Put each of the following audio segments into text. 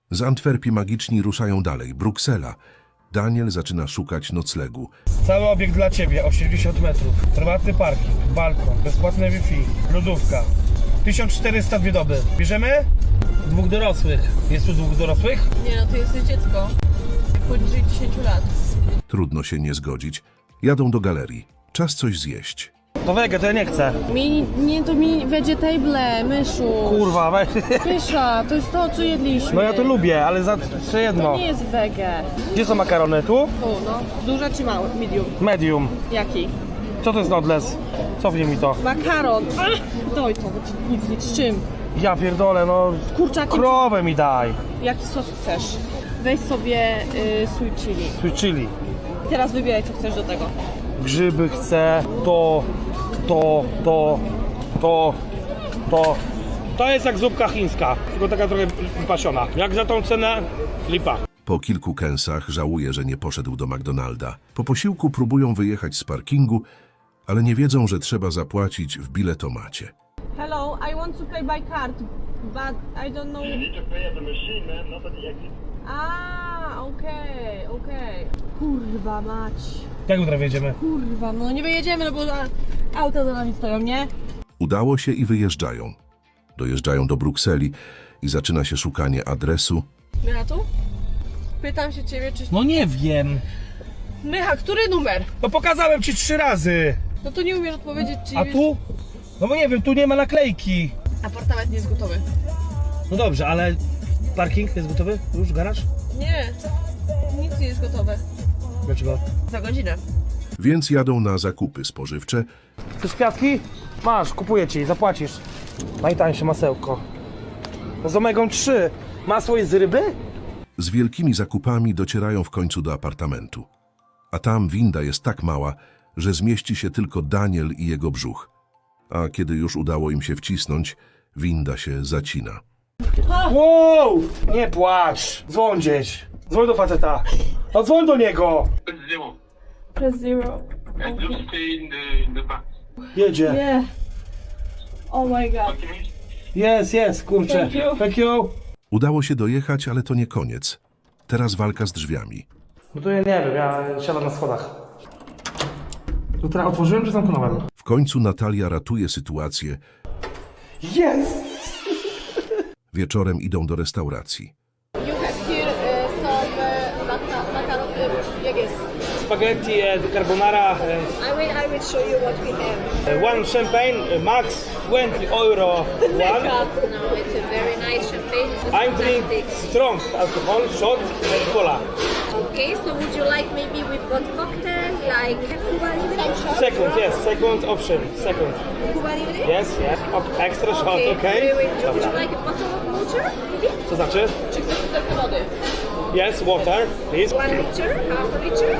Z Antwerpii magiczni ruszają dalej. Bruksela. Daniel zaczyna szukać noclegu. Cały obiekt dla Ciebie, 80 metrów. Prywatny parking, balkon, bezpłatne Wi-Fi, lodówka. 1402 doby. Bierzemy? Dwóch dorosłych. Jest tu dwóch dorosłych? Nie no, to jest dziecko. Poniżej 10 lat. Trudno się nie zgodzić. Jadą do galerii. Czas coś zjeść. To wege, to ja nie chcę. To mini vegetable, myszu. Kurwa, weź. Pysza, to jest to, co jedliśmy. No ja to lubię, ale za jeszcze jedno. To nie jest wege. Gdzie są makarony? Tu? Tu, no. Duże czy małe? Medium. Medium. Jaki? Co to jest nodles? Cofnij mi to. Makaron. Doj to, nic, z czym? Ja pierdolę, no. Kurczakiem. Krowę mi daj. Jaki sos chcesz? Weź sobie sweet chili. Sweet chili. I teraz wybieraj, co chcesz do tego. Grzyby chcę, to. To jest jak zupka chińska, tylko taka trochę wypasiona. Jak za tą cenę? Lipa. Po kilku kęsach żałuje, że nie poszedł do McDonalda. Po posiłku próbują wyjechać z parkingu, ale nie wiedzą, że trzeba zapłacić w biletomacie. Hello, I want to pay by card, but I don't know. You need to pay at the machine, man, not at the exit. Okej. Kurwa mać. Jak jutro wjedziemy? Kurwa, no nie wyjedziemy, no bo auta za nami stoją, nie? Udało się i wyjeżdżają. Dojeżdżają do Brukseli i zaczyna się szukanie adresu. Mycha tu? Pytam się ciebie, czy... No nie wiem. Mycha, który numer? No pokazałem ci 3 razy. No to nie umiesz odpowiedzieć, czy... A tu? No bo nie wiem, tu nie ma naklejki. Apartament nie jest gotowy. No dobrze, ale parking jest gotowy? Już garaż? Nie, nic nie jest gotowe. Dlaczego? Za godzinę. Więc jadą na zakupy spożywcze. Chcesz kwiatki? Masz, kupuję ci, zapłacisz. Najtańsze masełko. No z omegą 3. Masło jest z ryby? Z wielkimi zakupami docierają w końcu do apartamentu. A tam winda jest tak mała, że zmieści się tylko Daniel i jego brzuch. A kiedy już udało im się wcisnąć, winda się zacina. Wow! Nie płacz! Dzwoń gdzieś. Dzwoń do faceta. No dzwoń do niego! Zero. Press zero. And just stay in the back. Jedzie. Nie. Oh my god. Jest, kurczę. Thank you. Thank you. Udało się dojechać, ale to nie koniec. Teraz walka z drzwiami. No to ja nie wiem, ja siadam na schodach. To teraz otworzyłem czy zamknąłem? W końcu Natalia ratuje sytuację. Jest! Wieczorem idą do restauracji. You have here some macaron, jak jest? Spaghetti, carbonara, I will show you what we have. one champagne, max 20 euro. One. No, it's a very nice champagne. It's I drink fantastic. strong alcohol, shot and cola. Okay, so would you like maybe we've got cocktail like Cuba Libre? Second option, second. Cuba Libre? Yes. Extra shot, Okay. okay? Would you like a bottle of water? Maybe? Co znaczy? Czy chcesz butelkę wody? Yes, water, please. 1 liter, half a liter?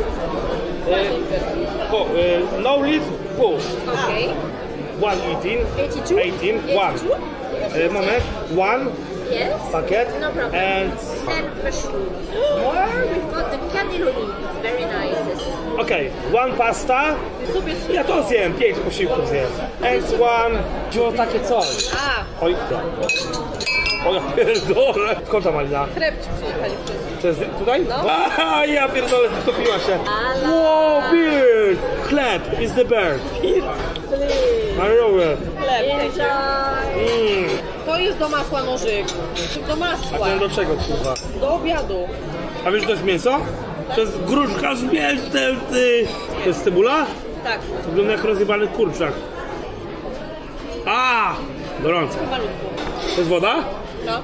No lid, full. Okay. 118, 82? 18, 1. Moment, 1 Yes. packet No problem. and... Then mushroom. Or we've got the cannelloni. It's very nice. Okay, 1 pasta. Ja to zjem, 5 posiłków zjem. And 1... Wziął takie coś. Oj, o ja pierdolę. Skąd ta malina? Chleb ci przyjechali przez... To jest tutaj? No. A, ja pierdolę, zatopiła się. Wow, bird! Chleb is the bird. Marowe. Chleb. Enjoy. To jest do masła nożyk. Do masła. Ten do czego, kurwa? Do obiadu. A wiesz, to jest mięso? To jest gruszka z mięsem, ty! To jest cebula? Tak. Wygląda jak rozjebany kurczak. A! Gorąco. Malutko. To jest woda? No.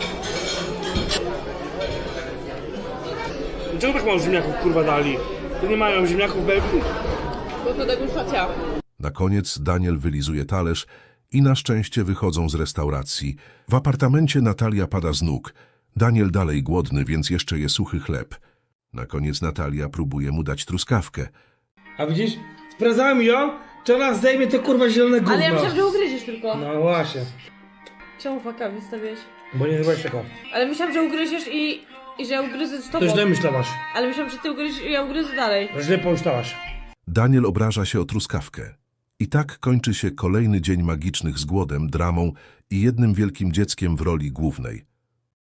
Dlaczego tak mało ziemniaków, kurwa, dali? To nie mają ziemniaków w Belgii? Bo to degustacja. Na koniec Daniel wylizuje talerz i na szczęście wychodzą z restauracji. W apartamencie Natalia pada z nóg. Daniel dalej głodny, więc jeszcze je suchy chleb. Na koniec Natalia próbuje mu dać truskawkę. A widzisz? Sprawdzałem ją, czy ona zdejmie te kurwa zielone gówno. Ale ja myślałam, że ugryziesz tylko. No właśnie. Czemu faka wystawiłeś? Bo nie zrobiłeś tego. Ale myślałam, że ugryziesz i że ja ugryzę z tobą. To źle myślałaś. Ale myślałam, że ty ugryziesz i ja ugryzę dalej. Źle pomyślałaś. Daniel obraża się o truskawkę. I tak kończy się kolejny dzień magicznych z głodem, dramą i jednym wielkim dzieckiem w roli głównej.